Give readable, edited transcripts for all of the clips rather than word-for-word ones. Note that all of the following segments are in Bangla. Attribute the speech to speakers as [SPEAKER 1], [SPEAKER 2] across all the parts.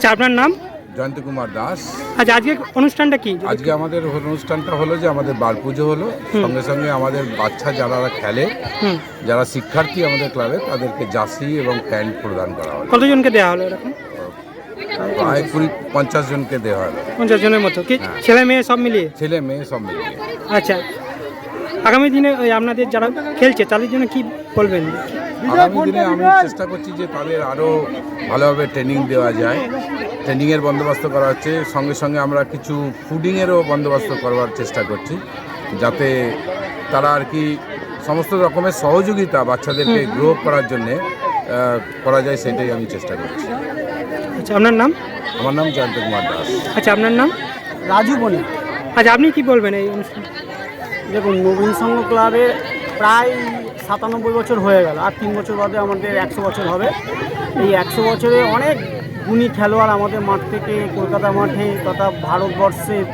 [SPEAKER 1] আচ্ছা, আপনার নাম?
[SPEAKER 2] জয়ন্ত কুমার দাস।
[SPEAKER 1] আচ্ছা, আজকে অনুষ্ঠানটা কি?
[SPEAKER 2] আজকে আমাদের অনুষ্ঠানটা হলো যে আমাদের বার পুজো হলো, সঙ্গে সঙ্গে আমাদের বাচ্চা যারা খেলে, যারা শিক্ষার্থী আমাদের ক্লাবে, তাদেরকে জার্সি এবং প্যান্ট প্রদান করা হলো।
[SPEAKER 1] কতজনকে দেওয়া হলো এরকম?
[SPEAKER 2] প্রায় 50 জনকে দেওয়া হলো।
[SPEAKER 1] 50 জনের মতো কি? ছেলে মেয়ে সব মিলিয়ে?
[SPEAKER 2] ছেলে মেয়ে সব মিলিয়ে।
[SPEAKER 1] আচ্ছা, আগামী দিনে ওই আপনাদের যারা খেলছে তাদের জন্য কি বলবেন?
[SPEAKER 2] আগামী দিনে আমি চেষ্টা করছি যে তাদের আরও ভালোভাবে ট্রেনিং দেওয়া যায়। ট্রেনিংয়ের বন্দোবস্ত করা হচ্ছে, সঙ্গে সঙ্গে আমরা কিছু ফুডিংয়েরও বন্দোবস্ত করবার চেষ্টা করছি, যাতে তারা আর কি সমস্ত রকমের সহযোগিতা বাচ্চাদেরকে গ্রো করার জন্যে করা যায়, সেটাই আমি চেষ্টা করছি।
[SPEAKER 1] আচ্ছা, আপনার নাম?
[SPEAKER 2] আমার নাম জয়ন্ত কুমার দাস।
[SPEAKER 1] আচ্ছা, আপনার নাম?
[SPEAKER 3] রাজু বনি।
[SPEAKER 1] আচ্ছা, আপনি কি বলবেন এই অনুষ্ঠান?
[SPEAKER 3] দেখুন, নবীন সংঘ ক্লাবের প্রায় 97 বছর হয়ে গেল, আর 3 বছর বাদে আমাদের 100 বছর হবে। এই 100 বছরে অনেক গুণী খেলোয়াড় আমাদের মাঠ থেকে, কলকাতা মাঠে তথা ভারতবর্ষের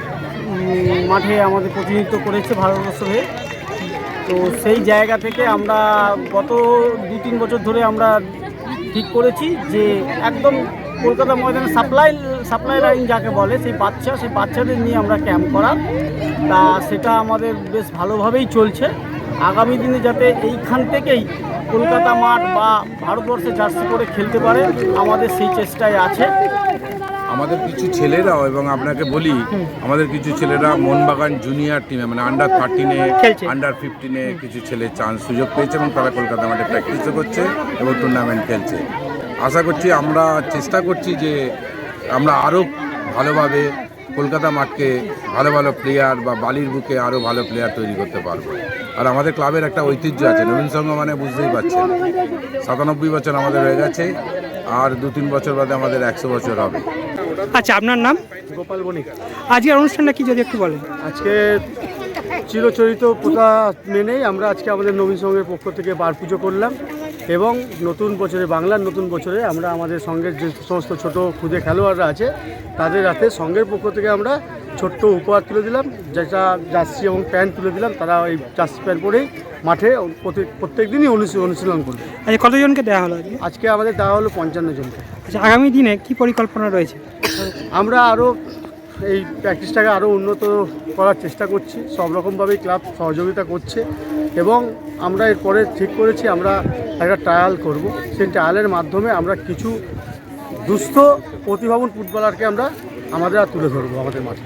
[SPEAKER 3] মাঠে আমাদের প্রতিনিধিত্ব করেছে ভারতবর্ষ হয়ে। তো সেই জায়গা থেকে আমরা গত 2-3 বছর ধরে আমরা ঠিক করেছি যে একদম কলকাতা ময়দানে সাপ্লাই লাইন যাকে বলে, সেই বাচ্চাদের নিয়ে আমরা ক্যাম্প করা, তা সেটা আমাদের বেশ ভালোভাবেই চলছে। আগামী দিনে যাতে এইখান থেকেই কলকাতা মাঠ বা ভারতবর্ষে জার্সি করে খেলতে পারে, আমাদের সেই চেষ্টায় আছে।
[SPEAKER 2] আমাদের কিছু ছেলেরাও, এবং আপনাকে বলি, আমাদের কিছু ছেলেরা মোহনবাগান জুনিয়র টিমে, মানে আন্ডার 13-এ, আন্ডার 15-এ কিছু ছেলে সুযোগ পেয়েছে, এবং তারা কলকাতা মাঠে প্র্যাকটিসও করছে এবং টুর্নামেন্ট খেলছে। আশা করছি, আমরা চেষ্টা করছি যে আমরা আরও ভালোভাবে কলকাতা মাঠকে ভালো ভালো প্লেয়ার বা বালির বুকে আরও ভালো প্লেয়ার তৈরি করতে পারবো। আর আমাদের ক্লাবের একটা ঐতিহ্য আছে, নবীন সংঘ মানে বুঝতেই পারছেন, 97 বছর আমাদের হয়ে গেছে, আর 2-3 বছর বাদে আমাদের 100 বছর হবে।
[SPEAKER 1] আচ্ছা, আপনার নাম?
[SPEAKER 3] গোপাল বণিক।
[SPEAKER 1] আজকের অনুষ্ঠানটা কি যদি একটু বলেন?
[SPEAKER 3] আজকে চিরচরিত প্রথা মেনেই আমরা আজকে আমাদের নবীন সংঘের পক্ষ থেকে বার পুজো করলাম, এবং নতুন বছরে, বাংলার নতুন বছরে আমরা আমাদের সঙ্গের যে সমস্ত ছোট ক্ষুদে খেলোয়াড়রা আছে তাদের হাতে সঙ্গের পক্ষ থেকে আমরা ছোট্ট উপহার তুলে দিলাম, যেটা জার্সি এবং প্যান্ট তুলে দিলাম। তারা ওই জার্সি প্যান্ট পরেই মাঠে প্রত্যেক দিনই অনুশীলন করবে।
[SPEAKER 1] আচ্ছা, কতজনকে দেওয়া হলো আজকে?
[SPEAKER 3] আজকে আমাদের দেওয়া হলো 55 জনকে।
[SPEAKER 1] আচ্ছা, আগামী দিনে কি পরিকল্পনা রয়েছে?
[SPEAKER 3] আমরা আরও এই প্র্যাকটিসটাকে আরও উন্নত করার চেষ্টা করছি, সব রকমভাবেই ক্লাব সহযোগিতা করছে, এবং আমরা এরপরে ঠিক করেছি আমরা একটা ট্রায়াল করব। সেই ট্রায়ালের মাধ্যমে আমরা কিছু দুস্থ প্রতিভাবান ফুটবলারকে আমরা তুলে ধরবো আমাদের মাঠে।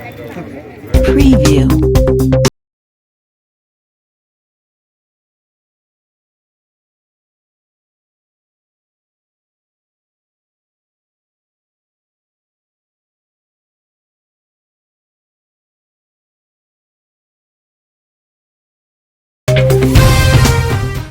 [SPEAKER 4] Preview.